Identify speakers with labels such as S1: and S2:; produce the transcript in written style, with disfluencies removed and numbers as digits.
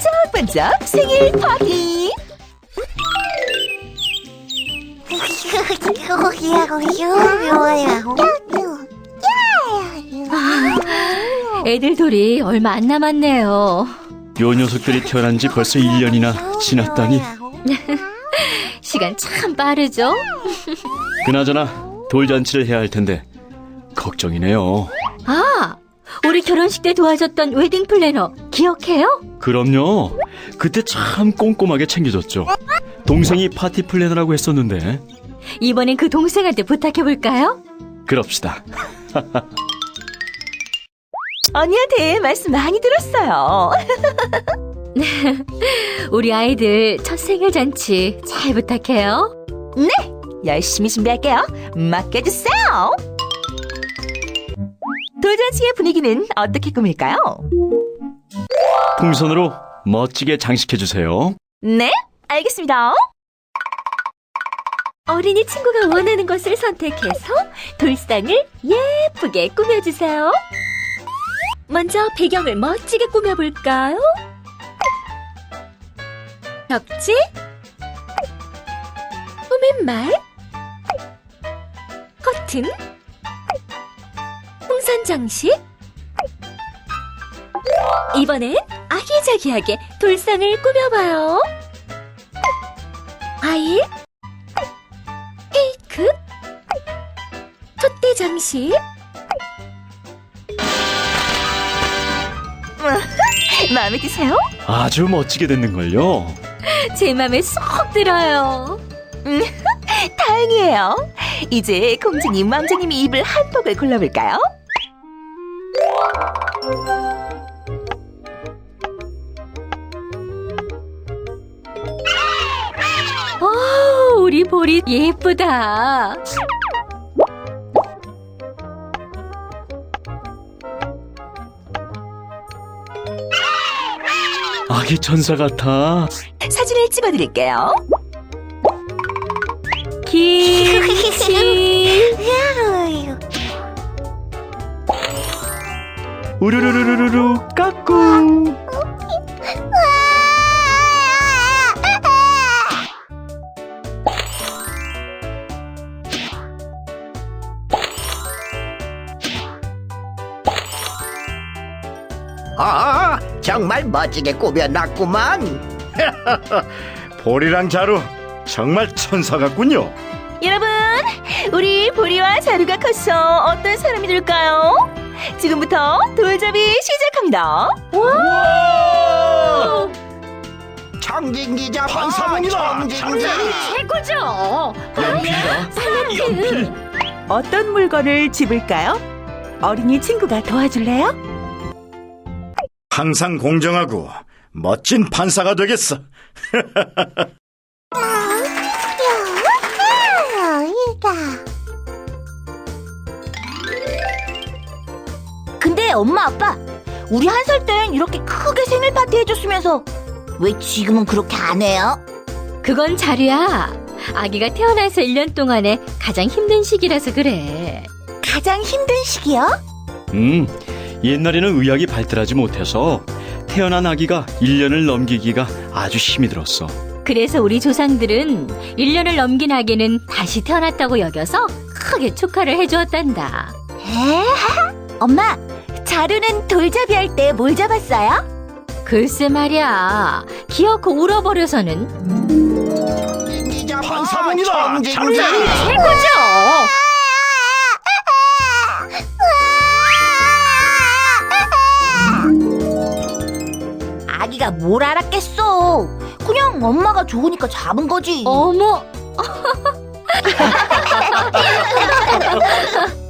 S1: 반짝반짝 생일 파티!
S2: 애들돌이 얼마 안 남았네요.
S3: 요 녀석들이 태어난 지 벌써 1년이나 지났다니.
S2: 시간 참 빠르죠?
S3: 그나저나 돌잔치를 해야 할 텐데 걱정이네요.
S2: 아, 우리 결혼식 때 도와줬던 웨딩 플래너 기억해요?
S3: 그럼요. 그때 참 꼼꼼하게 챙겨줬죠. 동생이 파티 플래너라고 했었는데.
S2: 이번엔 그 동생한테 부탁해볼까요?
S3: 그럽시다.
S1: 언니한테 말씀 많이 들었어요.
S2: 우리 아이들 첫 생일 잔치 잘 부탁해요.
S1: 열심히 준비할게요. 맡겨주세요. 돌잔치의 분위기는 어떻게 꾸밀까요?
S3: 풍선으로 멋지게 장식해주세요.
S1: 네, 알겠습니다.
S2: 어린이 친구가 원하는 것을 선택해서 돌상을 예쁘게 꾸며주세요. 먼저 배경을 멋지게 꾸며볼까요? 벽지, 꾸민말, 커튼, 풍선 장식. 이번엔 아기자기하게 돌상을 꾸며봐요. 과일, 케이크, 촛대 장식.
S1: 마음에 드세요?
S3: 아주 멋지게 됐는걸요.
S2: 제 맘에 쏙 들어요.
S1: 다행이에요. 이제 공주님, 왕자님이 입을 한복을 골라볼까요?
S2: 우리 보리 예쁘다.
S3: 아기 천사 같아.
S1: 사진을 찍어드릴게요.
S2: 김치.
S3: 우르르르르르 까꿍.
S4: 정말 멋지게 꾸며놨구만.
S5: 보리랑 자루 정말 천사 같군요.
S1: 여러분, 우리 보리와 자루가 커서 어떤 사람이 될까요? 지금부터 돌잡이 시작합니다.
S4: 청진기 잡아.
S5: 반사문이다.
S4: 청진기.
S2: 최고죠.
S3: 연필.
S1: 어떤 물건을 집을까요? 어린이 친구가 도와줄래요?
S5: 항상 공정하고 멋진 판사가 되겠어.
S1: 근데 엄마, 아빠, 우리 1살 땐 이렇게 크게 생일 파티 해줬으면서 왜 지금은 그렇게 안 해요?
S2: 그건 자루야. 아기가 태어나서 1년 동안에 가장 힘든 시기라서 그래.
S1: 가장 힘든 시기요?
S3: 옛날에는 의학이 발달하지 못해서 태어난 아기가 1년을 넘기기가 아주 힘이 들었어.
S2: 그래서 우리 조상들은 1년을 넘긴 아기는 다시 태어났다고 여겨서 크게 축하를 해주었단다.
S1: 에? 엄마, 자루는 돌잡이 할 때 뭘 잡았어요?
S2: 글쎄 말이야. 기어코 울어버려서는.
S4: 청진기 잡아.
S5: 반사문이다.
S4: 청진기.
S2: 최고죠.
S1: 아기가 뭘 알았겠어. 그냥 엄마가 좋으니까 잡은 거지.
S2: 어머.